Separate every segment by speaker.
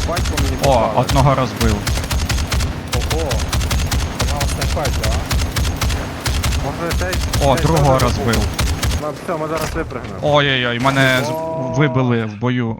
Speaker 1: Бать по мені
Speaker 2: О,
Speaker 1: попали.
Speaker 2: одного розбив.
Speaker 3: Ого. Вона снайпать, а?
Speaker 1: Може цей...
Speaker 2: О,
Speaker 1: цей
Speaker 2: другого
Speaker 1: теж
Speaker 2: розбив.
Speaker 1: вибух. Ну, все, ми зараз випрыгнемо.
Speaker 2: Ой-ой-ой, мене
Speaker 3: О.
Speaker 2: вибили в бою.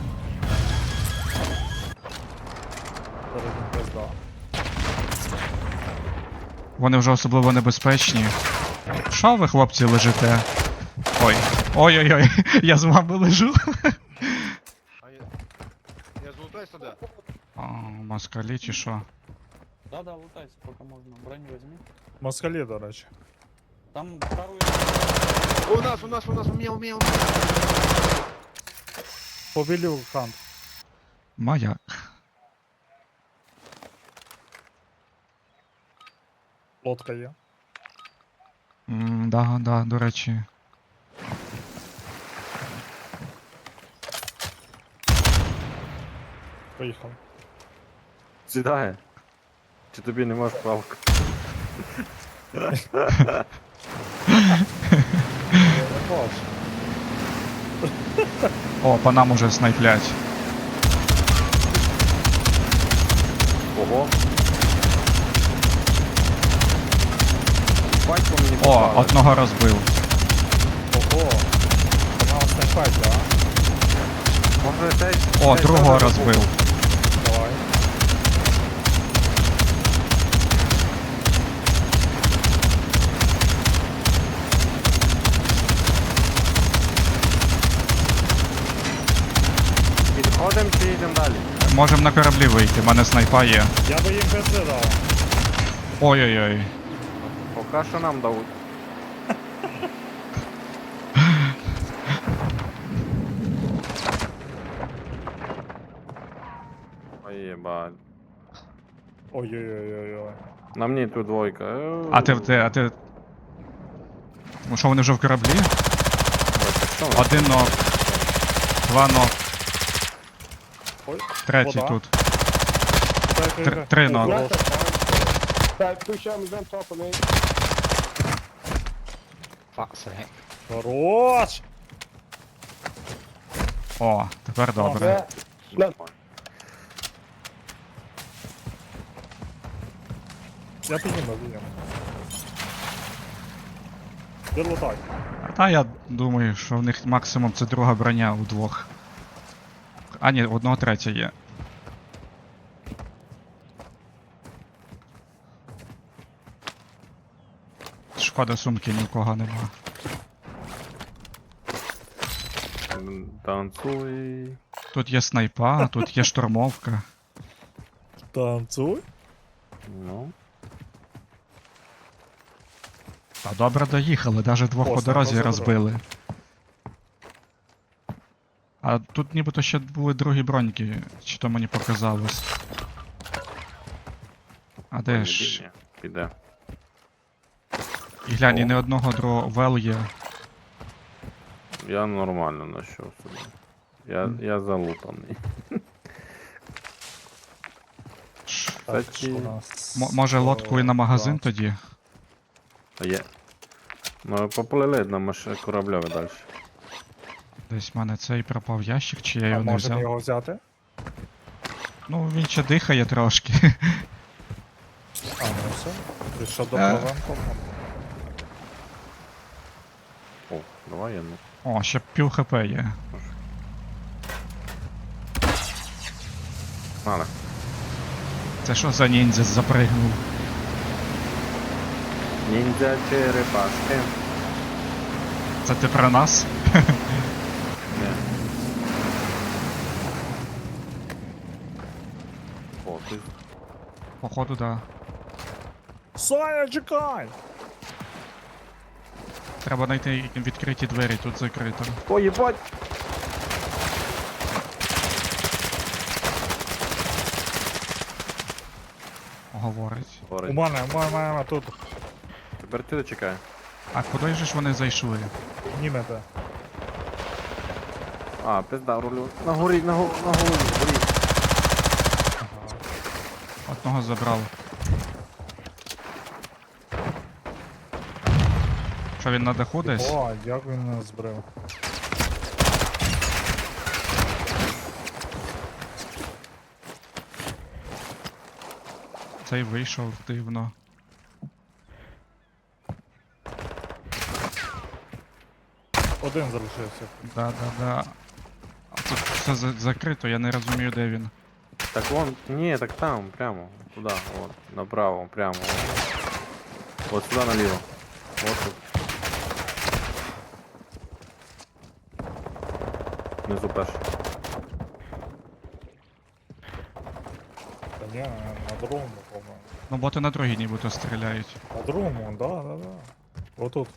Speaker 3: Зараз він пизда.
Speaker 2: Вони вже особливо небезпечні. Що ви, хлопці, лежите? Ой. Ой-ой-ой, я з вами лежу.
Speaker 1: Я злутай сюди.
Speaker 2: О, москалі чи що?
Speaker 4: Да, лутайся, пока можно. Броню возьми.
Speaker 3: Москалі, до речі.
Speaker 4: Там вторую.
Speaker 1: У нас, умів.
Speaker 3: Побілів хант.
Speaker 2: Маяк.
Speaker 3: Лодка є.
Speaker 2: Да, до речі.
Speaker 3: Поїхав.
Speaker 1: Сідає. Чи тобі не можеш палку?
Speaker 3: Я не бачу.
Speaker 2: О, по нам уже снайплять.
Speaker 1: Ого. Бать по мені
Speaker 2: О,
Speaker 1: попали.
Speaker 2: одного розбив.
Speaker 3: Ого. Вона снайпать, а?
Speaker 1: Може цей...
Speaker 2: О,
Speaker 1: цей
Speaker 2: другого
Speaker 1: теж
Speaker 2: розбив.
Speaker 1: вибух.
Speaker 3: Давай.
Speaker 1: Підходимо чи йдемо далі?
Speaker 2: Можем на кораблі вийти, в мене снайпа є.
Speaker 3: Я би їм пизди дав.
Speaker 2: Ой-ой-ой.
Speaker 1: Поки що нам дають. Ой, єбать.
Speaker 3: Ой-ой-ой-ой-ой.
Speaker 1: На мені тут двойка.
Speaker 2: А ти. Тому що вони вже в кораблі? Один ног. Два ног.
Speaker 3: Ой,
Speaker 2: Третій
Speaker 3: вода.
Speaker 2: тут.
Speaker 3: Тихо.
Speaker 2: Три ног.
Speaker 3: Хорош!
Speaker 2: О, тепер добре.
Speaker 3: Я підніму. Де лутай?
Speaker 2: Та я думаю, що в них максимум це друга броня у двох. А ні, у одного третя є. Шкода, сумки ні у кого нема.
Speaker 1: Танцуй.
Speaker 2: Тут є снайпа, тут є штурмовка.
Speaker 3: Танцуй.
Speaker 1: Ну.
Speaker 2: Та добре доїхали, навіть двох
Speaker 3: О,
Speaker 2: по дорозі
Speaker 3: снайпа
Speaker 2: розбили. А тут нібито ще були другі броньки, чи то мені показалось. А де ж?
Speaker 1: Піде.
Speaker 2: І глянь, і
Speaker 1: О.
Speaker 2: не одного другого вел є.
Speaker 1: Я нормально знайшов собі. Я залутаний.
Speaker 3: Так,
Speaker 1: Кстати,
Speaker 3: що у нас?
Speaker 2: Може лодку і на магазин тоді?
Speaker 1: є. Ну, поплили на кораблеві далі.
Speaker 2: Десь в мене цей пропав ящик, чи я
Speaker 3: А
Speaker 2: його не
Speaker 3: можемо
Speaker 2: взяв.
Speaker 3: його взяти?
Speaker 2: Ну він ще дихає трошки.
Speaker 3: А, ну все. Якщо
Speaker 2: Е.
Speaker 3: допливемо, то...
Speaker 1: О, давай я ну.
Speaker 2: О, ще пів хп є.
Speaker 1: Надо.
Speaker 2: Це що за ніндзя запригнув?
Speaker 1: Ніндзя черепашки.
Speaker 2: Це ти про нас?
Speaker 1: Не. О, ти...
Speaker 2: Походу, да.
Speaker 3: Соня, чекай!
Speaker 2: Треба знайти відкриті двері, тут закрито.
Speaker 1: О, єбать!
Speaker 2: Говорить.
Speaker 3: У
Speaker 1: Горить.
Speaker 3: мене тут
Speaker 1: Тепер ти чекай.
Speaker 2: А куди ж вони зайшли?
Speaker 3: німете.
Speaker 1: А, пизда, рулю. На горі, на горі.
Speaker 2: Одного забрав. Що він на даху десь?
Speaker 3: О, як він нас збрив.
Speaker 2: Цей вийшов дивно.
Speaker 3: Один залишився.
Speaker 2: Да. А тут все закрито, я не розумію, де він.
Speaker 1: Так вон, не, так там, прямо. Туда, вот, направо, прямо. Вот сюда налево. Вот тут. Внизу перший.
Speaker 3: Та ні, на другому, по-моєму.
Speaker 2: Ну боти на другій нібито стріляють.
Speaker 3: На другому, да. Отут.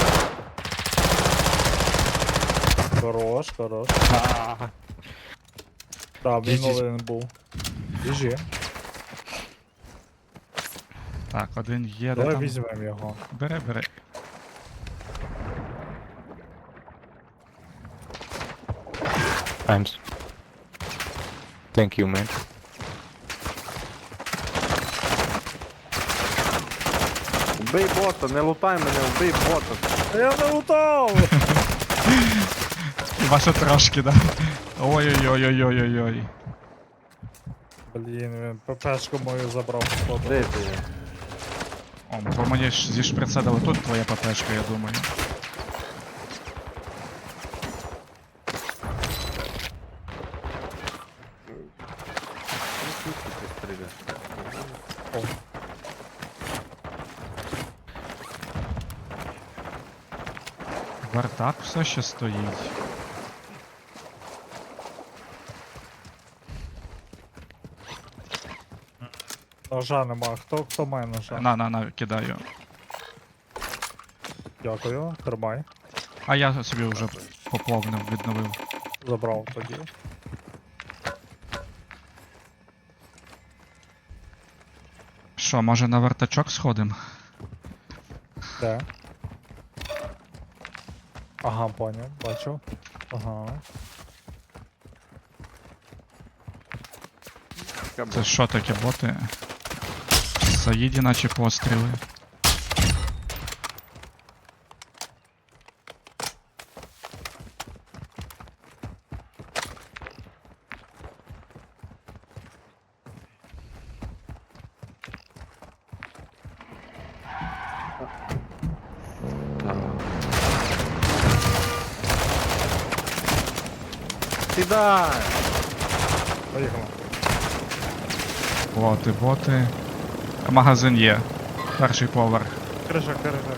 Speaker 3: Хорош. Так, він
Speaker 2: Їздіть.
Speaker 3: один був. Біжи.
Speaker 2: Так, один є, де
Speaker 3: Давай
Speaker 2: там.
Speaker 3: візьмемо його.
Speaker 2: Бери.
Speaker 5: Thanks. Thank you, man.
Speaker 1: Убий бота, не лутай мене, убий бота.
Speaker 3: Я не лутав!
Speaker 2: Ваша трошки, да. Ой-ой-ой-ой-ой-ой.
Speaker 3: Блін, він ППшку мою забрав, походу.
Speaker 1: Де ти є?
Speaker 2: О, бо мені ж зі шприца дали тут твоя ППшка, я думаю.
Speaker 1: Ну, звідки ти стріляєш?
Speaker 3: О.
Speaker 2: Вартак все ще стоїть.
Speaker 3: Ножа нема. Хто має ножа?
Speaker 2: На, кидаю.
Speaker 3: Дякую, тримай.
Speaker 2: А я собі вже поповнив, відновив.
Speaker 3: Забрав тоді.
Speaker 2: Що, може на вартачок сходим?
Speaker 3: Де? Ага, поняв, бачу. Ага.
Speaker 2: Це що таке, боти? Саїді наче постріли.
Speaker 1: Сідай!
Speaker 3: Поїхали.
Speaker 2: Боти. Магазин є. Перший поверх.
Speaker 3: Криша.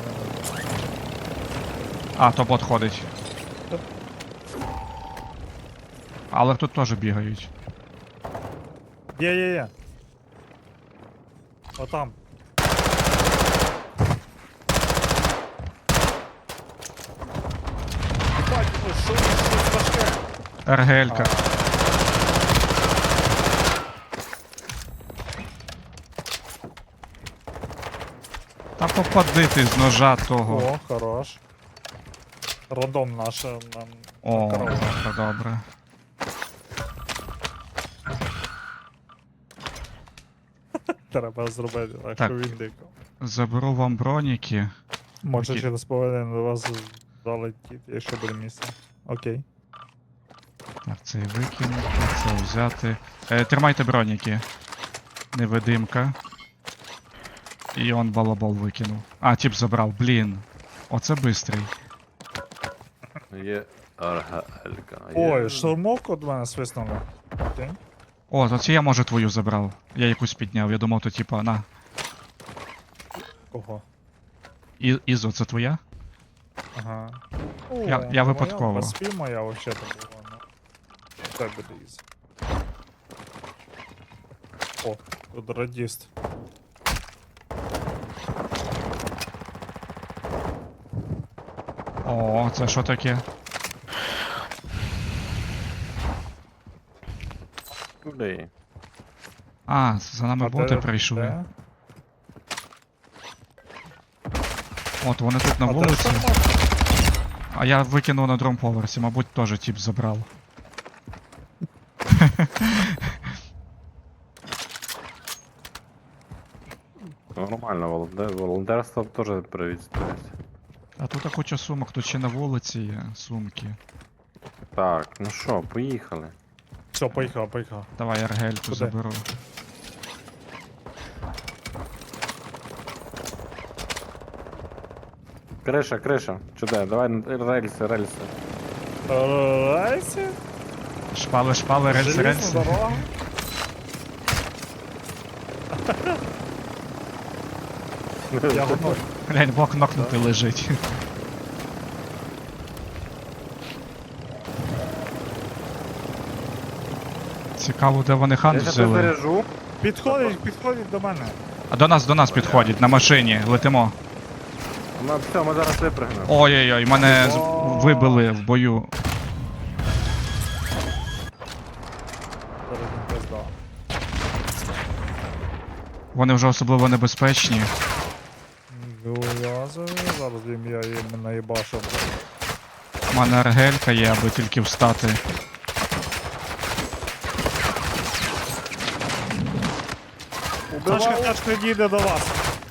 Speaker 2: А, то бот ходить. Але тут теж бігають.
Speaker 3: Є. Отам. Ебать, ну що важке?
Speaker 2: РГЛ-ка. Та попади ти з ножа того.
Speaker 3: О, хорош. Родом наша нам.
Speaker 2: О,
Speaker 3: корова.
Speaker 2: добре.
Speaker 3: Треба зробити, так
Speaker 2: Так.
Speaker 3: що він дико.
Speaker 2: Заберу вам броніки.
Speaker 3: Може
Speaker 2: Окей.
Speaker 3: через половину до вас залетіти, якщо буде місце. Окей.
Speaker 2: Так, це викинути, це взяти. Тримайте броніки. Невидимка. І он балабол викинув. А, тип забрав, блін. Оце бистрий.
Speaker 1: Є аргалька.
Speaker 3: Ой, штурмовку від мене свиснули. Окей.
Speaker 2: О, то це я може твою забрав. Я якусь підняв, я думав, то типа, на.
Speaker 3: Кого?
Speaker 2: Ізо, це твоя?
Speaker 3: Ага.
Speaker 2: Я випадково.
Speaker 3: Моя, спі моя вообще то була. Ну. Це буде із. О, тут радіст.
Speaker 2: О, це що таке?
Speaker 1: Куди?
Speaker 2: А, за нами боти прийшли.
Speaker 3: Де?
Speaker 2: От вони тут на
Speaker 3: А де
Speaker 2: вулиці.
Speaker 3: штурмовка?
Speaker 2: А я викинув на другому поверсі, мабуть, теж тип забрав.
Speaker 1: Нормально, волонтерство теж привітствується.
Speaker 2: А тут куча сумок, тут ще на вулиці є сумки.
Speaker 1: Так, ну що, поїхали.
Speaker 3: Все, поїхав.
Speaker 2: Давай РГЛ-ку
Speaker 3: Куди?
Speaker 2: заберу.
Speaker 1: Криша, криша. Чудо, давай рельси, рельси.
Speaker 3: Рельси?
Speaker 2: Шпали, шпали, рельси,
Speaker 3: Железна
Speaker 2: рельси.
Speaker 3: дорога? Я готовий.
Speaker 2: Глянь, блок нокнутий лежить. Цікаво, де вони хан
Speaker 1: Я зараз
Speaker 2: взяли.
Speaker 1: заряжу.
Speaker 3: Підходить до мене.
Speaker 2: А до нас підходять, на машині, летимо.
Speaker 1: Все, ми зараз випрыгнемо.
Speaker 2: Ой-ой-ой, мене вибили в бою.
Speaker 3: Зараз він пизда.
Speaker 2: Вони вже особливо небезпечні.
Speaker 3: Гуязові, зараз я їм наїбашу.
Speaker 2: У мене аргелька є, аби тільки встати.
Speaker 3: Тачка їде до вас.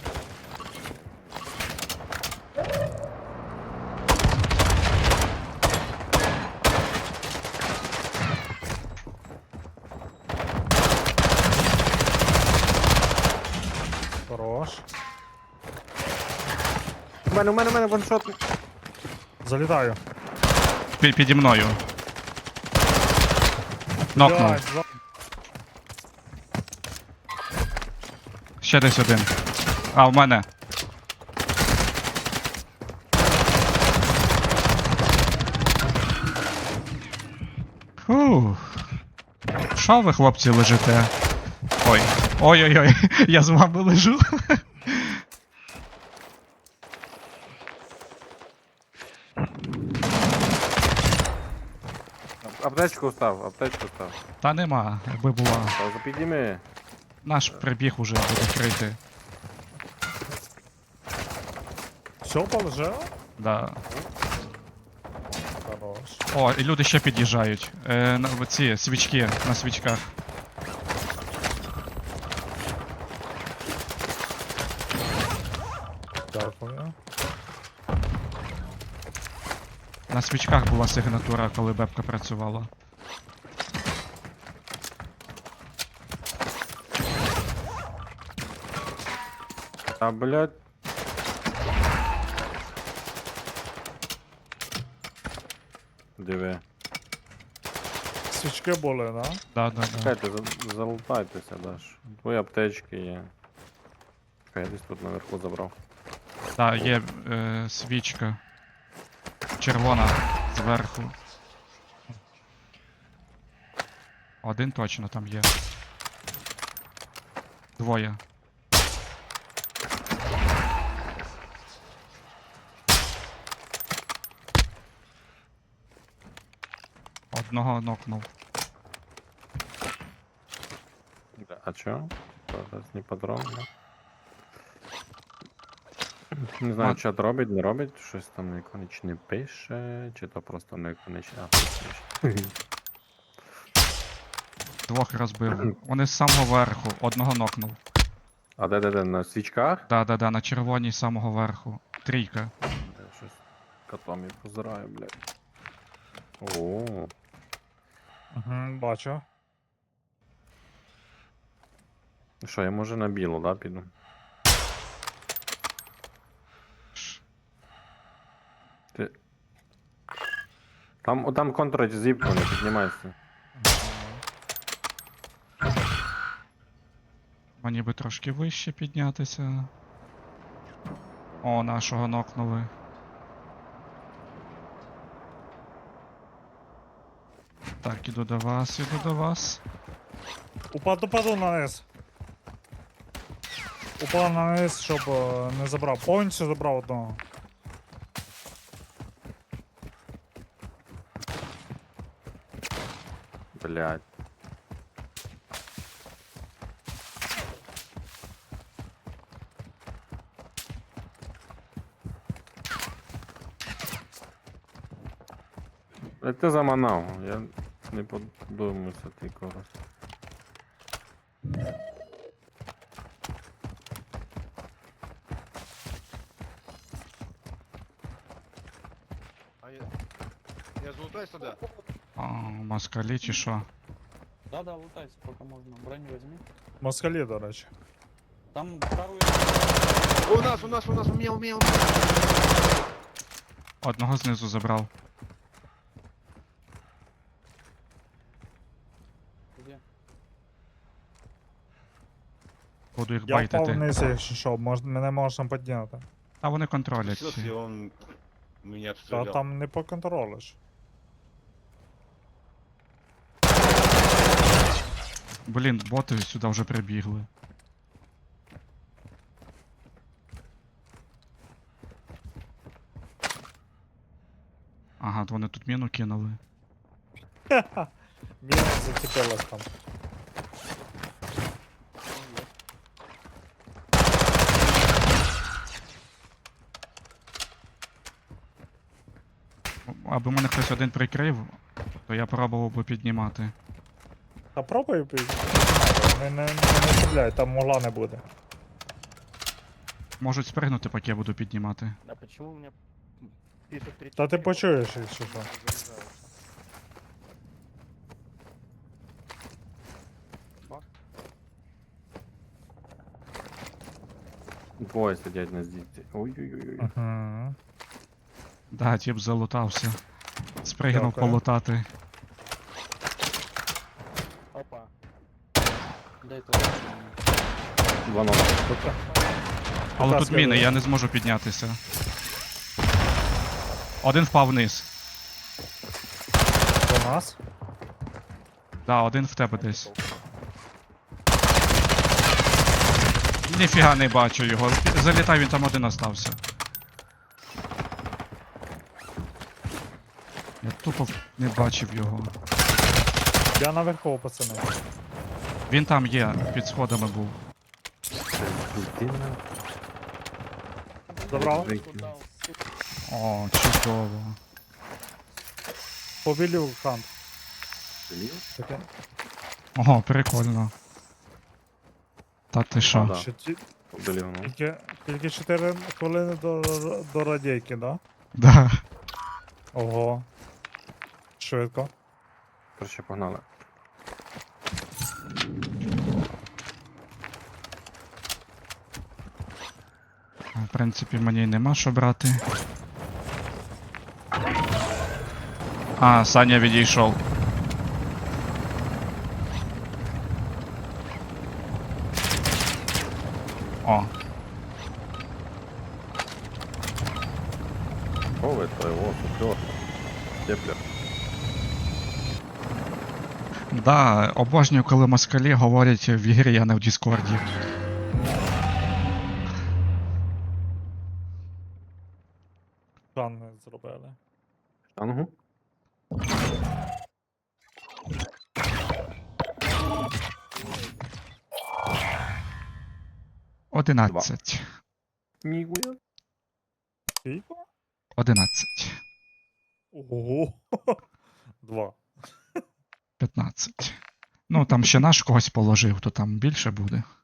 Speaker 3: Хорош.
Speaker 1: У мене ваншот.
Speaker 3: Залітаю.
Speaker 2: Піді мною. Нокнув.
Speaker 3: Блядь,
Speaker 2: Ще десь один. А, в мене. Фух. Що ви, хлопці, лежите? Ой. Ой-ой-ой, я з вами лежу.
Speaker 1: Аптечку став, аптечку став.
Speaker 2: Та нема, якби була.
Speaker 1: Та підніми.
Speaker 2: Наш прибіг уже буде крити.
Speaker 3: Все положило?
Speaker 2: Да.
Speaker 3: Хорош.
Speaker 2: О, і люди ще під'їжджають. Ці свічки на свічках.
Speaker 3: Дякую.
Speaker 2: На свічках була сигнатура, коли бебка працювала.
Speaker 1: А, блядь. Диви.
Speaker 3: Свічки були, да?
Speaker 2: Да.
Speaker 1: Чекайте, залутайтеся, Даш. Твої аптечки є. Чекай, я десь тут наверху забрав.
Speaker 2: Да, є свічка. Червона зверху. Один точно там є. Двоє. Одного нокнув.
Speaker 1: А чо? Зараз не патрон. Не знаю,
Speaker 2: А.
Speaker 1: чат робить, не робить, щось там Неконич не пише, чи то просто Неконич. А, пише.
Speaker 2: Двох розбив. Вони з самого верху. Одного нокнув.
Speaker 1: А де, на свічках?
Speaker 2: Да, на червоній з самого верху. Трійка.
Speaker 1: Я щось котом я позираю, блядь. О,
Speaker 3: Угу, бачу.
Speaker 1: що, я може на білу, да, піду? Ти... Там контроль зіпку, не піднімайся.
Speaker 2: Мені би трошки вище піднятися. О, нашого нокнули. Так, іду до вас, іду до вас.
Speaker 3: Упаду на низ. Упав на низ, щоб не забрав. Повністю забрав одного.
Speaker 1: Блядь. Ти заманав, я не подумався ти когось.
Speaker 6: Я залутаюсь тогда.
Speaker 2: А, москалі чи що?
Speaker 4: Да, лутайся, пока можно. Броню возьми.
Speaker 3: Москалі, до речі.
Speaker 4: Там вторую...
Speaker 6: У меня.
Speaker 2: Одного знизу забрав.
Speaker 4: Где?
Speaker 2: Буду їх
Speaker 3: Я впав
Speaker 2: байтити.
Speaker 3: вниз, якщо що, мене можна підняти.
Speaker 2: А вони контролять
Speaker 6: Спустился, и
Speaker 2: всі.
Speaker 6: он меня
Speaker 3: Та
Speaker 6: обстрелял.
Speaker 3: там не поконтролиш.
Speaker 2: Блін, боти сюди вже прибігли. Ага, то вони тут міну кинули.
Speaker 3: Міна зацепилась там.
Speaker 2: Аби мене хтось один прикрив, то я пробував би піднімати.
Speaker 3: Та пробуй підняти. Не стріляй, там могла не буде.
Speaker 2: Можуть спригнути, поки я буду піднімати.
Speaker 7: А почему у меня пишет 3?
Speaker 3: Та ти почуєш, якщо що.
Speaker 1: Двоє сидять на здійці. Ой-ой-ой.
Speaker 3: Угу.
Speaker 2: Да, тіп залутався. Спригнув
Speaker 3: Дякую.
Speaker 2: полутати.
Speaker 4: Опа. Дай то.
Speaker 1: Два номера.
Speaker 2: Але
Speaker 3: Будь
Speaker 2: тут
Speaker 3: ласка,
Speaker 2: міни,
Speaker 3: ви-
Speaker 2: я не зможу піднятися. Один впав вниз.
Speaker 3: До нас.
Speaker 2: Да, один в тебе десь. Ніфіга не бачу його. Залітай, він там один остався. Я тупо не бачив його.
Speaker 3: Я наверху, пацани.
Speaker 2: Він там є, під сходами був.
Speaker 1: Дитина.
Speaker 3: Забрав?
Speaker 4: Куда, сука?
Speaker 2: О, чудово.
Speaker 3: Повілів хант.
Speaker 1: Зліва?
Speaker 3: Таке.
Speaker 2: Ого, прикольно. Та ти що?
Speaker 1: Да.
Speaker 3: Ще
Speaker 1: Удалив, ну.
Speaker 3: тільки 4 хвилини до радійки, да?
Speaker 2: Да.
Speaker 3: Ого. Швидко.
Speaker 1: Короче, погнали.
Speaker 2: В принципі, мені й нема що брати. А, Саня відійшов. О,
Speaker 1: О, это его супер. Теплер.
Speaker 2: да, обожнюю, коли москалі говорять в ігрі, а не в Діскорді.
Speaker 3: Шан зробили.
Speaker 1: Штангу?
Speaker 2: Одинадцять.
Speaker 1: Ніхуя.
Speaker 3: Скільки?
Speaker 2: 11.
Speaker 3: Ого. 2.
Speaker 2: 15. Ну, там ще наш когось положив, то там більше буде.